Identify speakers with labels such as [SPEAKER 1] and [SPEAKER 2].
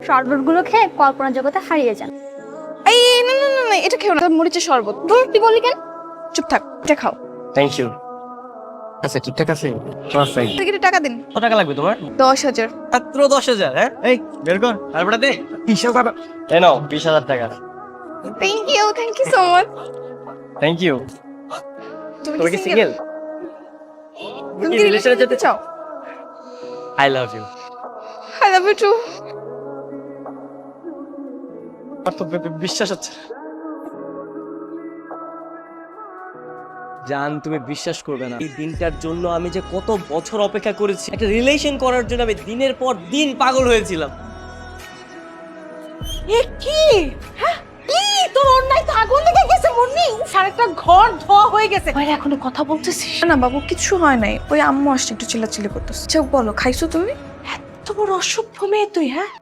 [SPEAKER 1] শরবতগুলো খেয়ে কল্পনা জগতে হারিয়ে যান।
[SPEAKER 2] এই না না না না, এটা খেও না, মরিচের শরবত।
[SPEAKER 1] ধুর, তুই বললি কেন?
[SPEAKER 2] চুপ থাক, এটা খাও।
[SPEAKER 3] Thank you. আচ্ছা ঠিকঠাক আছে, পারফেক্ট।
[SPEAKER 2] টিকিটে টাকা দিন।
[SPEAKER 4] কত টাকা লাগবে তোমার?
[SPEAKER 2] 10,000।
[SPEAKER 4] মাত্র 10,000? হ্যাঁ, এই বের কর তারপরে দে।
[SPEAKER 3] 20,000। এই নাও 20,000 টাকা।
[SPEAKER 2] Thank you so much.
[SPEAKER 3] Thank you. তুমি কি সিঙ্গেল?
[SPEAKER 2] তুমি
[SPEAKER 3] কি
[SPEAKER 2] কি
[SPEAKER 3] রিলেশনে যেতে
[SPEAKER 2] চাও?
[SPEAKER 3] I love you.
[SPEAKER 2] I love you too.
[SPEAKER 3] আর তো বিশ্বাস হচ্ছে।
[SPEAKER 4] জান, তুমি বিশ্বাস করবে না, এই দিনটার জন্য আমি যে কত বছর অপেক্ষা করেছি। একটা রিলেশন করার জন্য আমি দিনের পর দিন পাগল হয়েছিলাম।
[SPEAKER 5] এ কি? হ্যাঁ, তোর অন্যায় তো আগুন লেগে গেছে মুন্নি। সারাটা ঘর ধোয়া হয়ে গেছে। বাইরে এখনো কথা বলতেছিস?
[SPEAKER 2] না বাবু, কিছু হয় নাই, ওই আম্মু আসছে একটু চিল্লাচিল্লি করতেছে। আচ্ছা বলো, খাইছো তুমি?
[SPEAKER 5] এত বড় অসভ্য মেয়ে তুই, হ্যাঁ?